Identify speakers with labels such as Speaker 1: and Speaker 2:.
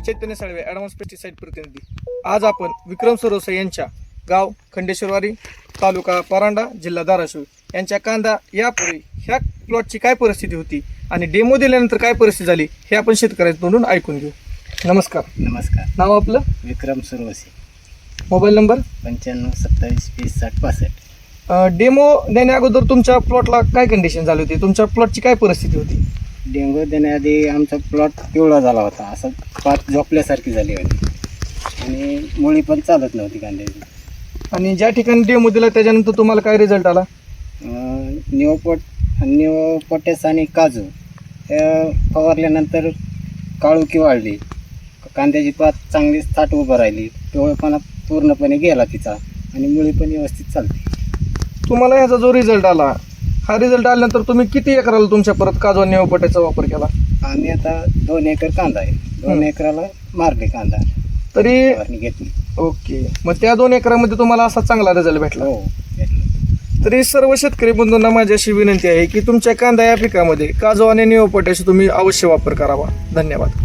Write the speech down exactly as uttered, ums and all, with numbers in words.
Speaker 1: चैतन्य Salve, advance pesticide प्रतिनिधी. आज आपण विक्रम सुरवसे यांच्या गाव खंडेश्वरवाडी, तालुका परांडा, जिल्हा धाराशिव यांच्या कांदा यापूर्वी ह्या प्लॉटची काय परिस्थिती होती आणि डेमो दिल्यानंतर काय परिस्थिती झाली हे आपण शेतकऱ्यांकडून ऐकून घेऊ. नमस्कार.
Speaker 2: नमस्कार.
Speaker 1: नाव आपलं?
Speaker 2: विक्रम सुरवसे.
Speaker 1: Mobile number?
Speaker 2: पंच्याण्णव सत्तावीस वीस साठ पासष्ट.
Speaker 1: डेमो देण्या अगोदर तुमच्या प्लॉटला काय कंडिशन झाली होती? तुमच्या प्लॉटची काय परिस्थिती होती?
Speaker 2: डेंगू देण्याआधी आमचा प्लॉट पिवळा झाला होता, असं पात झोपल्यासारखी झाली होती आणि मुळी पण चालत नव्हती कांद्याची.
Speaker 1: आणि ज्या ठिकाणी डेमो दिला त्याच्यानंतर तुम्हाला काय रिझल्ट आला?
Speaker 2: निओपोट निओपोटॅस आणि काजू हे फवारल्यानंतर काळुकी वाढली, कांद्याची पात चांगली थाट उभं राहिली, पिवळपणा पूर्णपणे गेला तिचा आणि मुळी पण व्यवस्थित चालते.
Speaker 1: तुम्हाला ह्याचा जो रिझल्ट आला, हा रिझल्ट आल्यानंतर तुम्ही किती एकराला तुमच्या परत काजू आणि निओपोटॅसचा वापर केला?
Speaker 2: आम्ही आता दोन एकर कांदा आहे, दोन एकराला मारले कांदा
Speaker 1: तरी
Speaker 2: फवारणी घेतली.
Speaker 1: ओके. मग त्या दोन एकरामध्ये तुम्हाला असा चांगला रिझल्ट भेटला?
Speaker 2: हो, घेतलं.
Speaker 1: तरी सर्व शेतकरी बंधूंना माझी अशी विनंती आहे की तुमच्या कांदा या पिकामध्ये काजू आणि निओपोटॅश तुम्ही अवश्य वापर करावा. धन्यवाद.